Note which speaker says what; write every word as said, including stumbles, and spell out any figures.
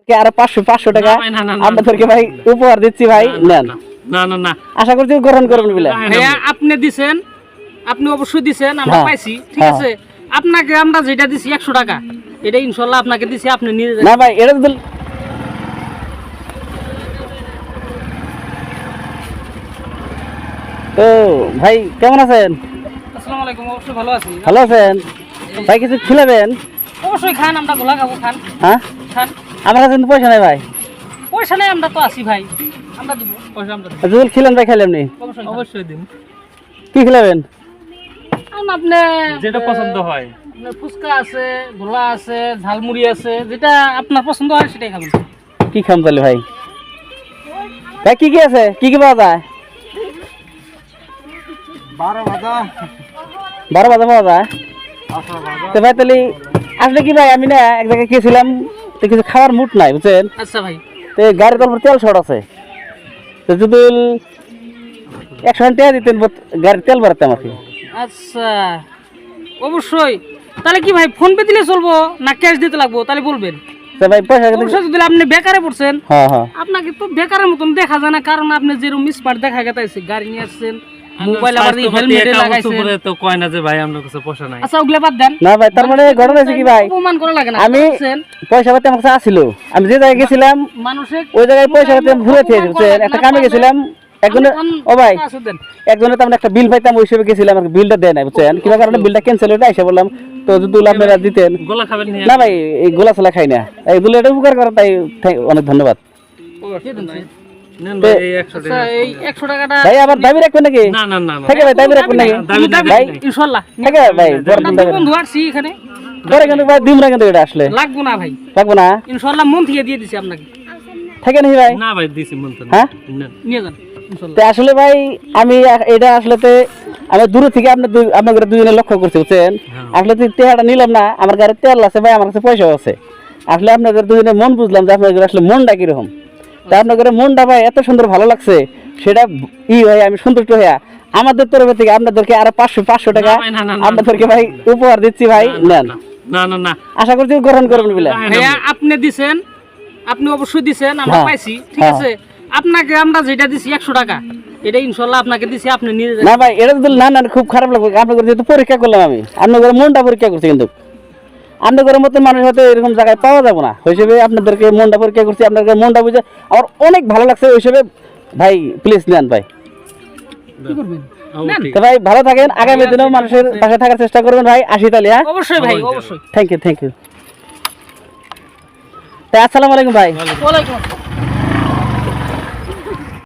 Speaker 1: আরো পাঁচশো পাঁচশো টাকা আপনাদেরকে ভাই উপহার দিচ্ছি ভাই, নেন।
Speaker 2: না না না,
Speaker 1: আশা করছি গ্রহণ করবেন বলে।
Speaker 3: ভাইয়া আপনি দিছেন, আপনি অবশ্যই দিছেন, আমরা
Speaker 1: হ্যাঁ,
Speaker 3: পাইছি, ঠিক
Speaker 1: হ্যাঁ।
Speaker 3: আছে। আপনাকে আমরা যেটা দিছি একশো টাকা, এটা ইনশাল্লাহ আপনাকে দিছি, আপনি নিয়ে যাবেন।
Speaker 1: না ভাই এটা তো তো ভাই কেমন আছেন?
Speaker 3: আসসালামু আলাইকুম, অবশ্যই ভালো আছি।
Speaker 1: ভালো আছেন ভাই? কিছু খিলাবেন?
Speaker 3: অবশ্যই খান, আমরা গোলা খাবো, খান
Speaker 1: হ্যাঁ,
Speaker 3: খান।
Speaker 1: আমার কাছে কিন্তু পয়সা নাই ভাই।
Speaker 3: পয়সা নেই, আমরা তো আছি ভাই, আমরা দিব পয়সা, আমরা দিব।
Speaker 1: যদি খিলেন ভাই খাইলাম নি,
Speaker 3: অবশ্যই
Speaker 2: অবশ্যই দিন,
Speaker 1: কি খিলাবেন?
Speaker 3: খান। আপনি
Speaker 2: যেটা পছন্দ হয়।
Speaker 3: আপনার ফুচকা আছে, গোলা আছে, ঝালমুড়ি আছে, যেটা আপনার পছন্দ হয় সেটাই খাবেন।
Speaker 1: কি খাম তাহলে ভাই? ভাই কি কি আছে, কি কি পাওয়া যায়? বারো বাজা পাওয়া যায় তো ভাই। তাহলে আসলে কি ভাই, আমি না এক জায়গায় গিয়েছিলাম তো কিছু খাওয়ার মুড নাই বুঝছেন।
Speaker 3: আচ্ছা ভাই,
Speaker 1: তো গাড়ির তলপর তেল শর্ট আছে, তো যদি একশো টাকা দিতেন গাড়ির তেল ভরাতাম আর কি।
Speaker 3: আচ্ছা অবশ্যই। তাহলে কি ভাই ফোন পে দিলে চলবো না ক্যাশ দিতে লাগবো? তাহলে বলবেন।
Speaker 1: তো ভাই পয়সা
Speaker 3: অবশ্যই যদি আপনি বেকারে পড়ছেন,
Speaker 1: হ্যাঁ হ্যাঁ,
Speaker 3: আপনাকে তো বেকারের মতন দেখা যায় না, কারণ আপনি যেরকম স্মার্ট দেখা গেছে, গাড়ি নিয়ে আসছেন, মোবাইল আবার হেলমেট লাগাইছেন,
Speaker 2: তো কয় না যে ভাই আমার কাছে পয়সা নাই।
Speaker 3: আচ্ছা ওগুলা বাদ দেন
Speaker 1: না ভাই, তার মানে ঘটনা হয়েছে কি ভাই,
Speaker 3: অপমান করা লাগে না।
Speaker 1: আমি
Speaker 3: বুঝছেন?
Speaker 1: পয়সা পাতি আমার কাছে আসছিল, আমি যে জায়গায় গেছিলাম
Speaker 3: মানুষের
Speaker 1: ওই জায়গায় পয়সা পাতি আমি ঘুরে খেয়েছি বুঝছেন। একটা কামে গেছিলাম, একজনের ও ভাই একজনের তো আমরা একটা বিল পাইতাম, ওই হিসেবে গেছিলাম, আর বিলটা দেয় নাই বুঝছেন। কিবা কারণে বিলটা ক্যান্সেল হয়ে এসে বললাম, তো যদি আপনারা দিতেন।
Speaker 2: গোলা খাবেন নি?
Speaker 1: না ভাই এই গোলা ছোলা খাই না, এইগুলো এটা উপকার করেন, তাই thank- অনেক ধন্যবাদ
Speaker 2: নেন ভাই এই একশো
Speaker 3: আচ্ছা,
Speaker 2: টাকা।
Speaker 3: এই একশো টাকাটা
Speaker 1: ভাই। আবার দাবি রাখবেন নাকি?
Speaker 2: না না না না,
Speaker 1: থাকে ভাই, দাবি রাখবেন নাকি?
Speaker 2: দাবি দাবি
Speaker 1: ভাই
Speaker 2: নাই।
Speaker 3: ইনশাআল্লাহ
Speaker 1: থাকে ভাই, বড়
Speaker 3: আপনার
Speaker 1: দাবি
Speaker 3: বন্ধু আসছি এখানে,
Speaker 1: করে কিন্তু ভাই দিন না কিন্তু এটা আসলে
Speaker 3: লাগবো না ভাই,
Speaker 1: থাকবো না,
Speaker 3: ইনশাআল্লাহ মন থেকে দিয়ে দিছি আপনাকে,
Speaker 1: থাকে নাকি ভাই?
Speaker 2: না ভাই দিছি মন তো না।
Speaker 1: হ্যাঁ
Speaker 2: নেন।
Speaker 3: নিয়ে যান ইনশাআল্লাহ।
Speaker 1: তো আসলে ভাই আমি এ- এটা আসলে তে আমি দূরে থেকে আপনার দুই- আপনাদের দুজনে লক্ষ্য করছি বুঝছেন। আসলে তো তেহাটা নিলাম না, আমার গাড়ির তেল আছে ভাই, আমার কাছে পয়সাও আছে। আসলে আপনাদের দুজনে মন বুঝলাম যে আপনাদের আসলে মনটা কিরকম। তা আপনাদের মনটা ভাই এত সুন্দর ভালো লাগছে, সেটা ই হয় আমি সন্তুষ্ট হইয়া আমাদের তরফ থেকে আপনাদেরকে আরো পাঁচশো পাঁচশো টাকা
Speaker 2: না ভাই, না, না, না,
Speaker 1: আপনাদেরকে ভাই উপহার দিচ্ছি ভাই, নেন।
Speaker 2: না না না,
Speaker 1: আশা করছি গ্রহণ করবেন বলে।
Speaker 3: ভাইয়া আপনি দিছেন, আপনি অবশ্যই দিছেন, আমরা
Speaker 1: হ্যাঁ,
Speaker 3: পাইছি, ঠিক
Speaker 1: হ্যাঁ।
Speaker 3: আছে। আপনাকে আমরা যেটা দিছি একশো টাকা, এটা ইনশাআল্লাহ আপনাকে দিছি, আপনি নিয়ে যাবেন।
Speaker 1: না ভাই এটা যদি না না খুব খারাপ লাগবে, আপনাদের যেহেতু পরীক্ষা করলাম আমি, আপনাদের মনটা পরীক্ষা করছি, কিন্তু আপনাদের মতো মানুষ হয়তো এরকম জায়গায় পাওয়া যাবে না, ওই হিসেবে আপনাদেরকে মনটা পরীক্ষা করছি, আপনাদের মনটা বুঝে আমার অনেক ভালো লাগছে, ওই হিসেবে ভাই প্লিজ নেন ভাই।
Speaker 3: কি করবেন?
Speaker 2: ও,
Speaker 3: নেন।
Speaker 2: ঠিক
Speaker 1: তো ভাই ভালো থাকেন, আগামী দিনেও মানুষের পাশে থাকার চেষ্টা করবেন ভাই। আসি তাহলে, হ্যাঁ
Speaker 3: অবশ্যই ভাই, অবশ্যই।
Speaker 1: Thank you thank you. আসসালামু আলাইকুম ভাই।
Speaker 3: ওয়ালাইকুম আসসালাম।